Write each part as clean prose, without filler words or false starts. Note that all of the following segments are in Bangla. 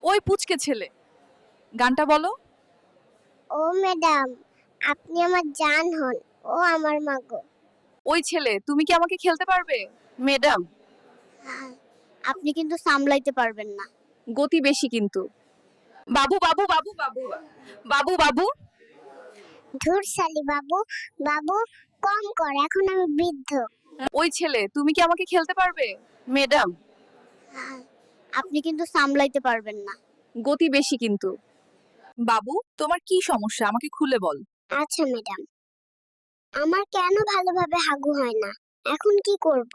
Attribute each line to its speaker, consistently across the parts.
Speaker 1: ওই পুচকে ছেলে, গানটা বলো।
Speaker 2: ও ম্যাডাম, আপনি আমার জান হন। ও আমার মা গো।
Speaker 1: ওই ছেলে, তুমি কি আমাকে খেলতে পারবে? ম্যাডাম,
Speaker 2: আপনি কিন্তু সামলাইতে পারবেন না।
Speaker 1: গতি বেশি কিন্তু। বাবু বাবু বাবু বাবু বাবু বাবু।
Speaker 2: ধুর শালি বাবু, বাবু কম কর, এখন আমি বৃদ্ধ।
Speaker 1: ওই ছেলে, তুমি কি আমাকে খেলতে পারবে? ম্যাডাম,
Speaker 2: আপনি কিন্তু সামলাইতে পারবেন না।
Speaker 1: গতি বেশি কিন্তু। বাবু, তোমার কি সমস্যা আমাকে খুলে বল।
Speaker 2: আচ্ছা ম্যাডাম, আমার কেন ভালোভাবে হাগু হয় না, এখন কি করব?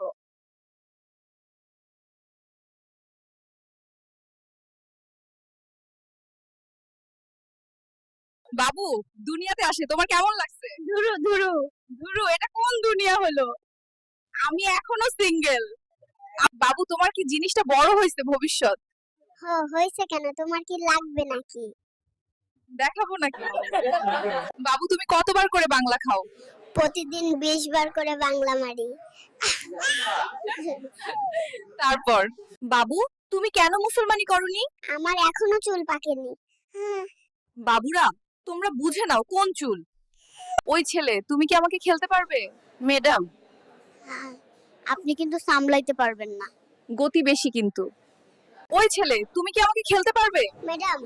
Speaker 1: বাবু, দুনিয়াতে আসে তোমার কেমন লাগছে?
Speaker 2: ধুরু ধুরু।
Speaker 1: ধুরু, এটা কোন দুনিয়া হলো? আমি এখনো সিঙ্গেল। বাবু, তোমার কি জিনিসটা বড় হয়েছে ভবিষ্যৎ?
Speaker 2: হয়েছে কেন, তোমার কি লাগবে নাকি?
Speaker 1: দেখাবো নাকি? বাবু, তুমি কতবার করে বাংলা খাও?
Speaker 2: প্রতিদিন 20 বার করে বাংলা মারি।
Speaker 1: তারপর, বাবু, তুমি কেন মুসলমানি করনি?
Speaker 2: আমার এখনো চুল পাকেনি।
Speaker 1: বাবুরা, তোমরা বুঝে নাও কোন চুল। ওই ছেলে, তুমি কি আমাকে খেলতে পারবে? ম্যাডাম,
Speaker 2: আপনি কিন্তু সামলাইতে পারবেন না।
Speaker 1: গতি বেশি কিন্তু। ওই ছেলে, তুমি কি আমাকে খেলতে পারবে?
Speaker 2: ম্যাডাম,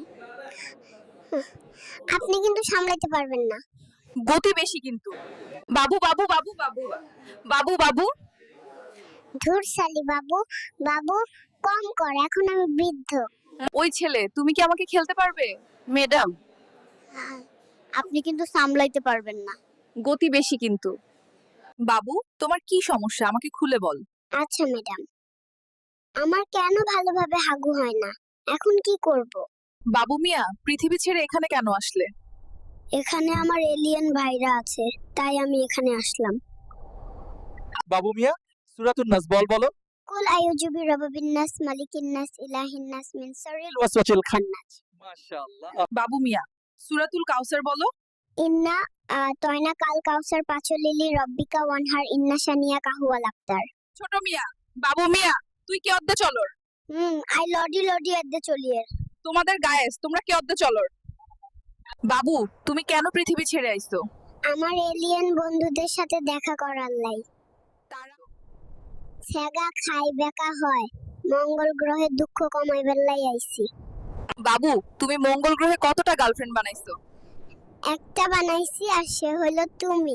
Speaker 2: আপনি কিন্তু সামলাইতে পারবেন না।
Speaker 1: গতি বেশি কিন্তু। বাবু বাবু বাবু বাবু বাবু বাবু।
Speaker 2: ধুর শালি বাবু, বাবু কম কর, এখন আমি বৃদ্ধ।
Speaker 1: ওই ছেলে, তুমি কি আমাকে খেলতে পারবে? ম্যাডাম,
Speaker 2: আপনি কিন্তু সামলাইতে পারবেন না।
Speaker 1: গতি বেশি কিন্তু। বাবু, তোমার কি সমস্যা আমাকে খুলে বল।
Speaker 2: আচ্ছা ম্যাডাম, আমার কেন ভালোভাবে হাগু হয় না, এখন কি করব?
Speaker 1: বাবু মিয়া, পৃথিবী ছেড়ে এখানে কেন আসলে?
Speaker 2: এখানে আমার এলিয়েন ভাইরা আছে, তাই আমি এখানে আসলাম।
Speaker 3: বাবু মিয়া, সূরাতুন নাস বলো।
Speaker 2: কুল আউযু বিরাব্বিন নাস, মালিকিন নাস, ইলাহিন নাস, মিন শাররিল
Speaker 3: ওয়াসওয়াসিল
Speaker 2: খান্নাস।
Speaker 3: মাশাআল্লাহ।
Speaker 1: বাবু মিয়া, সূরাতুল কাউসার বলো।
Speaker 2: ইন্না তয়না কাল কাউসার পাচলিলি রব্বিকা ওয়ানহার, ইন্না শানিয়া কাহুয়াল আফতার।
Speaker 1: ছোট মিয়া, বাবু মিয়া, তুই কে অদ্দে চলর?
Speaker 2: আই লডি লডি এদ্দে চলিয়ের।
Speaker 1: তোমাদের গায়েস, তোমরা কে অদ্দে চলর? বাবু, তুমি কেন পৃথিবী ছেড়ে আইছো?
Speaker 2: আমার এলিয়েন বন্ধুদের সাথে দেখা করার লাই।
Speaker 1: তারা
Speaker 2: ছ্যাগা খাই বেকা হয়, মঙ্গল গ্রহে দুঃখ কমাইবার লাই আইছি।
Speaker 1: বাবু, তুমি মঙ্গল গ্রহে কতটা গার্লফ্রেন্ড বানাইছো?
Speaker 2: একটা বানাইছি, আর সে হইলো তুমি।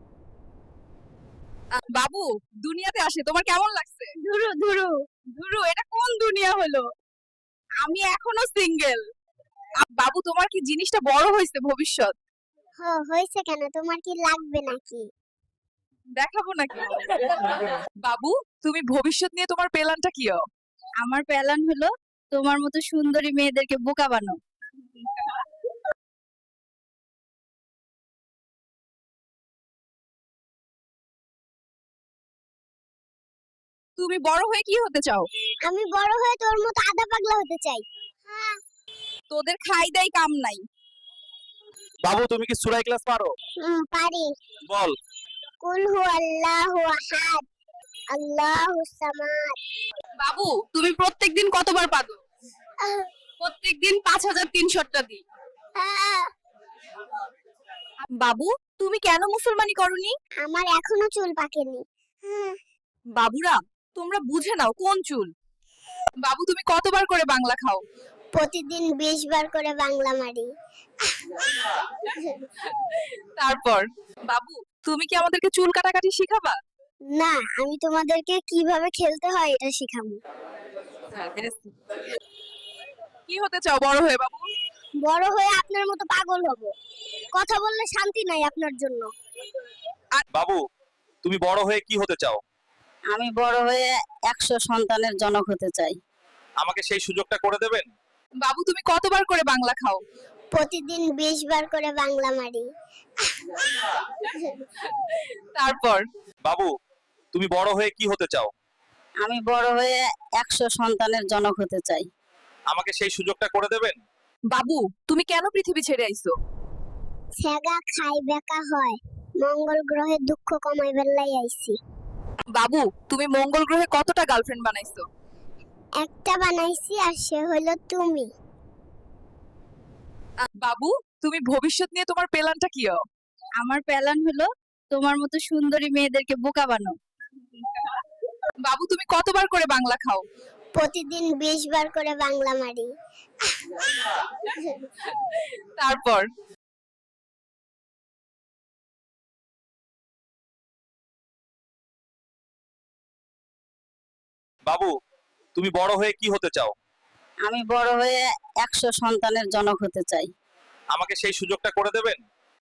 Speaker 1: বাবু, দুনিয়াতে আসে তোমার কেমন লাগছে?
Speaker 2: ধুরু ধুরু।
Speaker 1: ধুরু, এটা কোন দুনিয়া হলো? আমি এখনো সিঙ্গেল। বাবু, তোমার কি জিনিসটা বড় হয়েছে ভবিষ্যৎ?
Speaker 2: হয়েছে কেন, তোমার কি লাগবে নাকি?
Speaker 1: দেখাবো নাকি? বাবু, তুমি ভবিষ্যৎ নিয়ে তোমার প্ল্যানটা কি?
Speaker 4: আমার প্ল্যান হলো তোমার মতো সুন্দরী মেয়েদেরকে বোকা বানাও।
Speaker 1: তুমি বড় হয়ে কি হতে চাও?
Speaker 2: আমি বড় হয়ে তোর মতো আধা পাগলা হতে চাই।
Speaker 1: তোদের খাই দেয় কাম নাই।
Speaker 3: বাবু, তুমি কি সূরা ইখলাস পারো?
Speaker 2: পারি।
Speaker 3: বল।
Speaker 2: কুল হু আল্লাহু আহাদ, আল্লাহুস সামাদ।
Speaker 1: বাবু, তুমি প্রত্যেকদিন কতবার পাদো? প্রত্যেকদিন 5300টা দিই। বাবু, তুমি কেন মুসলমানি করনি?
Speaker 2: আমার এখনো চুল পাকেনি।
Speaker 1: বাবুরা, তোমরা বুঝে নাও কোন চুল। বাবু, তুমি কতবার করে বাংলা খাও?
Speaker 2: প্রতিদিন 20 বার করে বাংলা মারি।
Speaker 1: তারপর, বাবু, তুমি কি আমাদেরকে চুল কাটাকাটি শিখাবা?
Speaker 2: না, আমি তোমাদেরকে কিভাবে খেলতে হয় এটা শিখাবো।
Speaker 1: কি হতে চাও বড় হয়ে বাবু?
Speaker 2: বড় হয়ে আপনার মতো পাগল হব। কথা বললে শান্তি নাই আপনার জন্য।
Speaker 3: বাবু, তুমি বড় হয়ে কি হতে চাও?
Speaker 4: আমি বড় হয়ে 100 সন্তানের জনক হতে চাই।
Speaker 3: আমাকে সেই সুযোগটা করে দেবেন?
Speaker 1: বাবু, তুমি কতবার করে বাংলা খাও?
Speaker 2: প্রতিদিন 20 বার করে বাংলা মারি।
Speaker 1: তারপর,
Speaker 3: বাবু, তুমি বড় হয়ে কি হতে চাও?
Speaker 4: আমি বড় হয়ে 100 সন্তানের জনক হতে চাই।
Speaker 3: আমাকে সেই সুযোগটা করে দেবেন?
Speaker 1: বাবু, তুমি কেন পৃথিবী ছেড়ে আইছো?
Speaker 2: ছ্যাগা খাই বেকা হয়, মঙ্গল গ্রহে দুঃখ কমাইবার লাই আইছি।
Speaker 1: বাবু, তুমি মঙ্গল গ্রহে কতটা গার্লফ্রেন্ড বানাইছো?
Speaker 2: একটা বানাইছি, আর সে হইলো তুমি।
Speaker 1: বাবু তুমি ভবিষ্যৎ নিয়ে তোমার প্ল্যানটা কি?
Speaker 4: আমার প্ল্যান হলো তোমার মতো সুন্দরী মেয়েদেরকে বোকা বানো।
Speaker 1: বাবু তুমি কতবার করে বাংলা খাও?
Speaker 2: প্রতিদিন 20 বার করে বাংলা মারি।
Speaker 1: তারপর
Speaker 3: বাবু তুমি বড় হয়ে কি হতে চাও?
Speaker 4: আমি বড় হয়ে 100 সন্তানের জনক হতে চাই।
Speaker 3: আমাকে সেই সুযোগটা করে দেবেন?